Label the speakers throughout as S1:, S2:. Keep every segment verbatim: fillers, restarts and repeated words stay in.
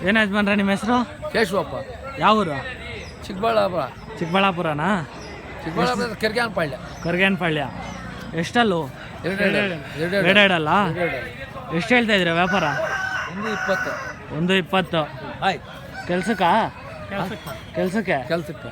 S1: ಏನು ಯಜಮಾನ್ರ ನಿಮ್ಮ ಹೆಸರು?
S2: ಕೇಶವಪ್ಪ.
S1: ಯಾವ ಊರು?
S2: ಚಿಕ್ಕಬಳ್ಳಾಪುರ.
S1: ಚಿಕ್ಕಬಳ್ಳಾಪುರನಾ?
S2: ಚಿಕ್ಕಬಳ್ಳಾಪುರ ಕರ್ಗ್ಯಾನಪಾಳ್ಯ.
S1: ಕರ್ಗ್ಯಾನಪಾಳ್ಯ. ಎಷ್ಟಲ್ಲು? ಎರಡೆರಡಲ್ಲ? ಎಷ್ಟು ಹೇಳ್ತಾ ಇದ್ದೀರಾ ವ್ಯಾಪಾರ?
S2: ಒಂದು ಇಪ್ಪತ್ತು.
S1: ಒಂದು ಇಪ್ಪತ್ತು.
S2: ಆಯ್
S1: ಕೆಲ್ಸಕ್ಕ? ಕೆಲ್ಸಕ್ಕೆ
S2: ಕೆಲ್ಸಕ್ಕೆ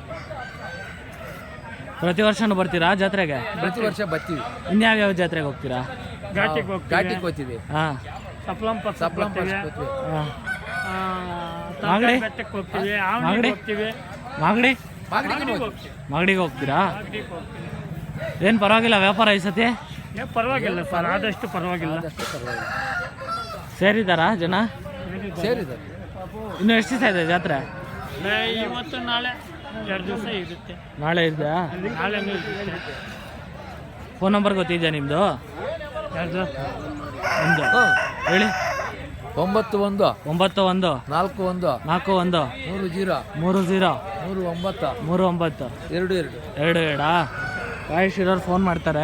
S1: ಪ್ರತಿ ವರ್ಷನೂ ಬರ್ತೀರಾ ಜಾತ್ರೆಗೆ?
S2: ಪ್ರತಿ ವರ್ಷ ಬರ್ತೀವಿ.
S1: ಇನ್ಯಾವ್ಯಾವ ಜಾತ್ರೆಗೆ ಹೋಗ್ತೀರಾ?
S2: ಘಾಟಿಗೆ ಘಾಟಿಗೆ ಹೋಗ್ತೀವಿ.
S1: ಹಾಂ.
S3: ಸಪ್ಲಂ
S2: ಸಪ್ಲಂ
S1: ಹಾಂ. ಮಾಗಡಿ ಮಾಗಡಿ ಮಾಗಡಿ ಮಾಗಡಿಗೆ ಹೋಗ್ತೀರಾ? ಏನು ಪರವಾಗಿಲ್ಲ ವ್ಯಾಪಾರ ಈ ಸತಿ?
S3: ಪರವಾಗಿಲ್ಲ ಸರ್, ಆದಷ್ಟು ಪರವಾಗಿಲ್ಲ.
S1: ಸೇರಿದಾರಾ ಜನ?
S2: ಸೇರಿದ್ದಾರೆ.
S1: ಇನ್ನು ಎಷ್ಟು ದಿವಸ ಇದೆ ಜಾತ್ರೆ?
S3: ಇವತ್ತು ನಾಳೆ ಎರಡು ದಿವಸ ಇರುತ್ತೆ.
S1: ನಾಳೆ ಇದೆಯಾ?
S3: ನಾಳೆನೂ ಇರುತ್ತೆ.
S1: ಫೋನ್ ನಂಬರ್ ಗೊತ್ತಿದೆಯಾ ನಿಮ್ಮದು?
S3: ಯಾರ್ದು?
S1: ಒಂದು ಹೇಳಿ.
S2: ಒಂಬತ್ತು ಒಂದು
S1: ಒಂಬತ್ತು ಒಂದು
S2: ನಾಲ್ಕು ಒಂದು
S1: ನಾಲ್ಕು ಒಂದು
S2: ಮೂರು ಜೀರೋ
S1: ಮೂರು ಝೀರೋ
S2: ಮೂರು ಒಂಬತ್ತು
S1: ಮೂರು ಒಂಬತ್ತು
S2: ಎರಡು ಎರಡು
S1: ಎರಡು ಎರಡಾ? ಕಾಯಿಶ್ ಇರೋರು ಫೋನ್ ಮಾಡ್ತಾರೆ.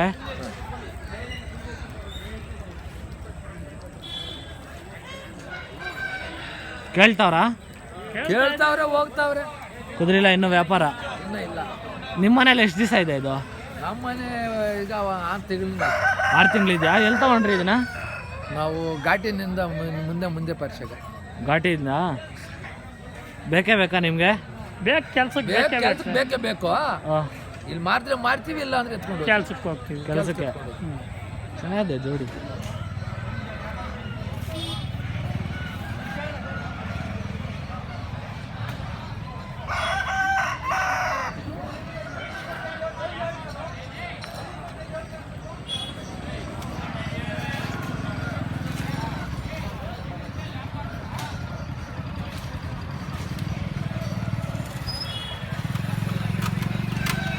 S1: ಕೇಳ್ತಾವ್ರಾ?
S2: ಕೇಳ್ತಾವ್ರೆ ಹೋಗ್ತಾವ್ರೆ.
S1: ಕುದುರಿಲ್ಲ ಇನ್ನು ವ್ಯಾಪಾರ?
S2: ಇನ್ನೂ ಇಲ್ಲ.
S1: ನಿಮ್ಮ ಮನೇಲಿ ಎಷ್ಟು ದಿವಸ ಇದೆ ಇದು?
S2: ನಮ್ಮ ಮನೆ ಈಗ ಆರು ತಿಂಗಳಿಂದ.
S1: ಆರು ತಿಂಗಳಿದೆಯಾ? ಎಲ್ಲಿ ತಗೊಂಡ್ರಿ ಇದನ್ನ?
S2: ನಾವು ಘಾಟಿನಿಂದ ಮುಂದೆ ಮುಂದೆ ಪರಿಷಗ
S1: ಘಾಟಿಯಿಂದ. ಬೇಕೇ ಬೇಕಾ ನಿಮಗೆ?
S3: ಬೇಕು ಕೆಲ್ಸಕ್ಕೆ
S2: ಕೆಲ್ಸಕ್ಕೆ ಬೇಕೇ ಬೇಕು. ಇಲ್ಲಿ ಮಾರಿದ್ರೆ ಮಾರ್ತೀವಿ, ಇಲ್ಲ ಅಂದ್ರೆ ಎತ್ಕೊಂಡು
S3: ಕೆಲ್ಸಕ್ಕೆ ಹೋಗ್ತೀವಿ.
S1: ಕೆಲಸಕ್ಕೆ ಚೆನ್ನಾಗಿದೆ ಜೋಡಿ.